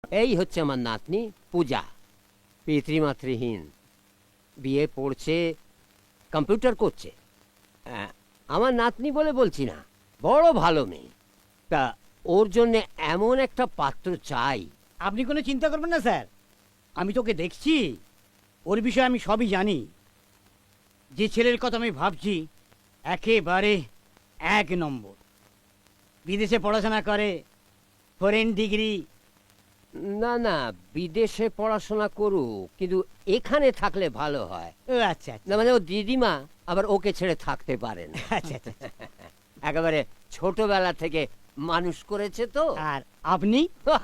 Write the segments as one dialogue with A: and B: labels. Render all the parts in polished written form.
A: এই হচ্ছে আমার নাতনি পূজা, পিতৃমাতৃহীন, বিয়ে পড়ছে, কম্পিউটার করছে। আমার নাতনি বলে বলছি না, বড় ভালো মেয়ে। তা ওর জন্য এমন একটা পাত্র চাই।
B: আপনি কোনো চিন্তা করবেন না স্যার, আমি তোকে দেখছি, ওর বিষয়ে আমি সবই জানি। যে ছেলের কথা আমি ভাবছি একেবারে 1 নম্বর, বিদেশে পড়াশোনা করে, ফরেন ডিগ্রি।
A: না না, বিদেশে পড়াশোনা করুক, কিন্তু এখানে থাকলে ভালো হয়।
B: ও আচ্ছা
A: না মানে ও দিদিমা আবার ওকে ছেড়ে থাকতে পারেন।
B: আচ্ছা আচ্ছা।
A: একেবারে ছোটবেলা থেকে মানুষ করেছে তো।
B: আর আপনি?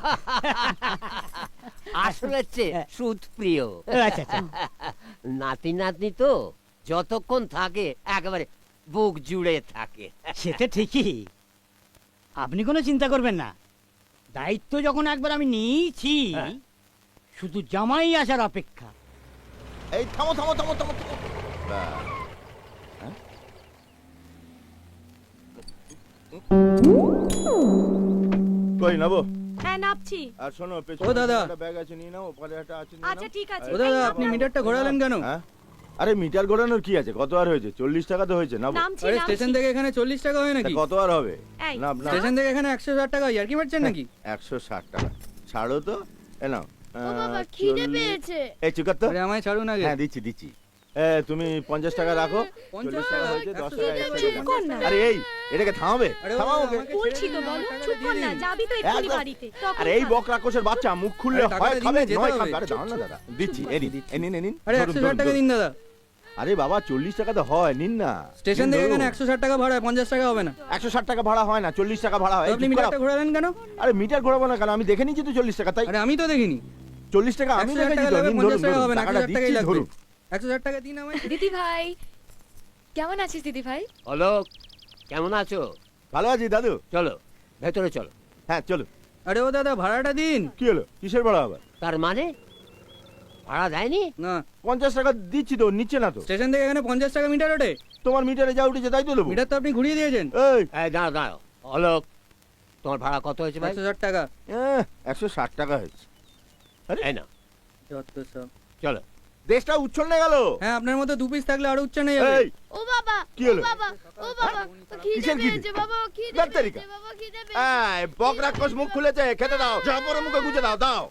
A: আসলে হচ্ছে সুদ প্রিয়।
B: আচ্ছা আচ্ছা।
A: নাতি নাতনি তো যতক্ষণ থাকে একেবারে বুক জুড়ে থাকে।
B: সেটা ঠিকই, আপনি কোনো চিন্তা করবেন না। দায়িত্ব যখন একবার আমি নিয়েছি, শুধু জামাই আসার অপেক্ষা।
C: এই থামো থামো থামো থামো থামো। কই নাবো?
D: হ্যাঁ নাপছি।
C: আর শোনো, পেছনে
E: ও দাদা,
C: একটা ব্যাগ আছে নিয়ে নাও, ওপারে একটা আছে নিয়ে
D: আচ্ছা
C: নাও।
D: ঠিক আছে।
E: ও দাদা, আপনি মিটারটা ঘোরালেন কেন?
C: হ্যাঁ? আরে মিটার ঘোরানোর কি আছে? কত আর হয়েছে? 40 টাকা তো হয়েছে। নাবো।
D: নামছি
E: আরে
D: নামছি।
E: স্টেশন থেকে এখানে 40 টাকা হয়
C: তা
E: নাকি?
C: কত আর হবে?
D: এই,
C: নাব নাব।
E: স্টেশন থেকে এখানে 160 টাকা আর কি মারছেন নাকি?
C: 160 টাকা ছাড়ো তো। এ নাও।
F: ও বাবা খিদে পেয়েছে।
C: এই চুকার তো।
E: আরে আমায় ছাড়ুন আগে।
C: হ্যাঁ দিচ্ছি দিচ্ছি। তুমি 50 টাকা রাখো।
E: 50
C: 40 টাকা হয়েছে, 10 টাকা extra
D: চুপ
C: দিলাম।
D: কর না।
C: আরে এই, এটাকে থামাবে?
E: আরে ও
C: থামাও
E: দাদা,
C: ওকে।
E: আমাকে
D: বলছি তো
E: ছেড়ে দিন,
D: বলো,
E: টাকাটা
D: চুপ কর
E: দিয়ে
D: না,
E: দিন।
D: যাবি তো এক্ষুনি
C: একদম।
D: বাড়িতে। তখন
C: আরে এই
D: খাবি।
C: বক রাক্ষসের বাচ্চা মুখ খুললে
E: আরে টাকাটা
C: হয়
E: দিন
C: খাবে
E: না, যেতে
C: নয়
E: হবে।
C: খাবে। আরে দাও না দাদা, দিচ্ছি। এই নিন, এই নিন, এই নিন।
E: আরে
C: ধরুন,
E: 160 টাকা
C: ধরুন,
E: দিন
C: ধরুন।
E: দাদা।
C: আরে বাবা 40 টাকা তো হয়, নিন না।
E: স্টেশন
C: নিন,
E: থেকে
C: ধরুন।
E: এখানে 160 টাকা ভাড়া, 50 টাকা হবে না।
C: 160 টাকা ভাড়া হয় না, 40 টাকা ভাড়া হয়।
E: তো
C: এই
E: আপনি
C: চুপ
E: মিটারটা
C: করাও।
E: ঘোরালেন কেন?
C: আরে মিটার ঘোরাবো না কেন? আমি দেখে নিয়েছি তো 40 টাকা, তাই
E: আরে আমি তো দেখিনি।
C: 40 টাকা আমি
E: 160
C: দেখেছি
E: টাকা
C: তো।
E: লাগবে,
C: নিন,
E: 50
C: ধরুন,
E: টাকা
C: ধরুন,
E: হবে না,
C: টাকাটা
E: 1000 টাকাই
C: দিচ্ছি,
E: লাগবে।
C: ধরুন।
E: 160 টাকা দিন আমায়।
F: দিদি ভাই কেমন আছিস দিদি ভাই?
A: অলোক, কেমন আছো?
C: ভালো আছি দাদু।
A: চলো ভেতরে চলো।
C: হ্যাঁ চলো।
E: আরে ও দাদা, ভাড়াটা দিন।
C: কি হলো? কিসের ভাড়া আবার?
A: তার মানে ভাড়া দেয়নি?
E: না,
C: 50 টাকা দিচ্ছি তো, নিচ্ছে না তো।
E: স্টেশন থেকে এখানে 50 টাকা মিটার ওঠে।
C: তোমার মিটারে যা উঠেছে তাই তো দেবো।
E: মিটার তো আপনি ঘুরিয়ে দিয়েছেন।
C: এই
A: এই দাঁড়াও দাঁড়াও, অলোক, তোমার ভাড়া কত হয়েছে ভাই?
E: 160 টাকা।
C: 160 টাকা হয়েছে।
A: এই না,
E: যত সব।
A: চলো।
C: দেশটা উচ্ছন্নে গেল।
E: হ্যাঁ, আপনার মতো 2 পিস থাকলে আরো উচ্চারণে যাবে।
C: এই
F: ও বাবা
C: কি হলো?
F: ও বাবা ও বাবা খিদে
C: কিসের খিদে?
F: পেয়েছে বাবা, খিদে
C: ব্যাটারিকা।
F: পেয়েছে বাবা, খিদে পেয়েছে।
C: এই বক রাক্ষস মুখ খুলেছে, খেতে দাও। যা পরে মুখে গুজে দাও, দাও।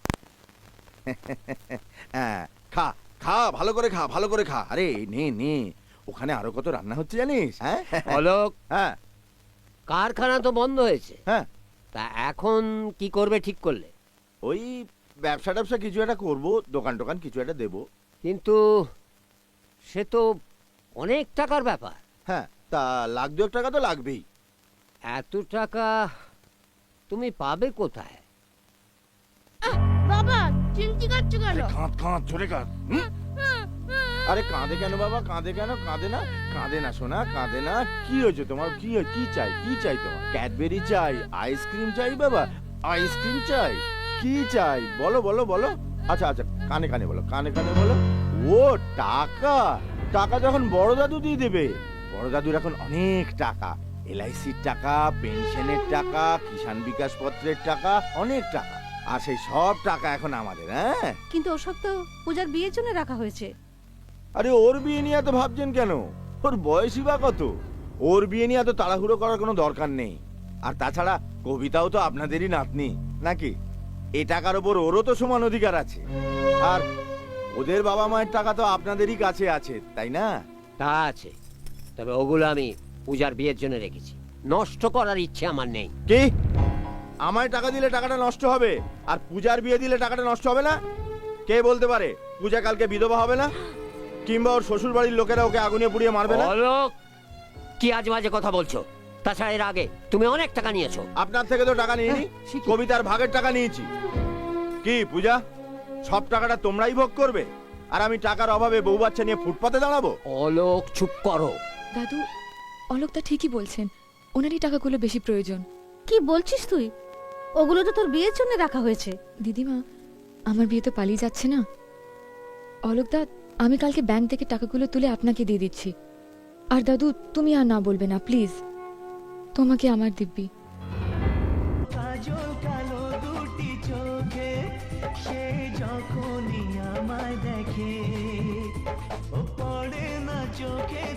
C: হ্যাঁ, খা খা, ভালো করে খা, ভালো করে খা। আরে নে নে, ওখানে আরো কত রান্না হচ্ছে জানিস? হ্যাঁ
A: অলোক,
C: হ্যাঁ
A: কারখানা তো বন্ধ হয়েছে,
C: হ্যাঁ।
A: তা এখন কি করবে ঠিক করলে?
C: ওই ব্যবসা ট্যাবসা কিছু একটা করবো, দোকান টোকান কিছু একটা দেবো।
A: কিন্তু সে তো অনেক টাকার ব্যাপার।
C: হ্যাঁ, তা 1,00,000 টাকা তো লাগবেই।
A: এত টাকা তুমি পাবে কোথায়?
F: বাবা চিমটি কাটছো কেন?
C: কাঁদ কাঁদ, জোরে কাঁদ। আরে কাঁদে কেন বাবা? কাঁদে কেন? কাঁদে না, কাঁদে না সোনা, কাঁদে না। কি হয়েছে তোমার? কি চাই? কি চাই তোমার? ক্যাডবেরি চাই, আইসক্রিম চাই বাবা, আইসক্রিম চাই? কি চাই বলো বলো বলো। আচ্ছা আচ্ছা, কানে কানে বলো, কানে কানে বলো। ও টাকা, টাকা যখন বড় দাদু দিয়ে দেবে। বড় দাদুর এখন অনেক টাকা, LICর টাকা, পেনশনের টাকা, কিষাণ বিকাশ পত্রের টাকা, অনেক টাকা। আর সেই সব টাকা এখন আমাদের। হ্যাঁ,
D: কিন্তু ওসব তো পূজার বিয়ের জন্য রাখা হয়েছে।
C: আরে ওর বিয়ে নিয়ে এত ভাবছেন কেন? ওর বয়সই বা কত? ওর বিয়ে নিয়ে এত তাড়াহুড়ো করার কোনো দরকার নেই। আর তাছাড়া কবিতাও তো আপনাদেরই নাতনি নাকি? এ টাকার ওপর ওরও তো সমান অধিকার আছে। আর ওদের বাবা মায়ের টাকা তো আপনাদেরই কাছে আছে, তাই না?
A: তা আছে, তবে ওগুলো আমি পূজার বিয়ের জন্য রেখেছি, নষ্ট করার ইচ্ছে আমার নেই।
C: কি? আমায় টাকা দিলে টাকাটা নষ্ট হবে, আর পূজার বিয়ে দিলে টাকাটা নষ্ট হবে না? কে বলতে পারে পূজা কালকে বিধবা হবে না? কিংবা ওর শ্বশুর বাড়ির লোকেরা ওকে আগুনে পুড়িয়ে মারবে না?
A: অলোক, কি আজ বাজে কথা বলছো? তাছাড়া এর আগে তুমি অনেক টাকা নিয়েছো।
C: আপনার থেকে তো টাকা নিইনি,
A: সে কি?
C: কবিতার ভাগের টাকা নিয়েছি। কি পূজা, সব টাকাটা তোমরাই ভোগ করবে? আর আমি টাকার অভাবে বউ বাচ্চা নিয়ে ফুটপাতে দাঁড়াবো?
A: অলোক চুপ করো।
F: দাদু অলোক তা ঠিকই বলছেন, ওনারই টাকাগুলো বেশি প্রয়োজন।
D: কি বলছিস তুই? ওগুলো তো তোর বিয়ের জন্য রাখা হয়েছে।
F: দিদিমা, আমার বিয়ে তো পালিয়ে যাচ্ছে না। অলোক দা, আমি কালকে ব্যাংক থেকে টাকাগুলো তুলে আপনাকে দিয়ে দিচ্ছি। আর দাদু, তুমি আর না বলবে না প্লিজ, তোমাকে আমার দিব্যি।
B: কাজল কালো দুটি চোখে
G: সে যখনই আমায় দেখে ও পড়ে না চোখে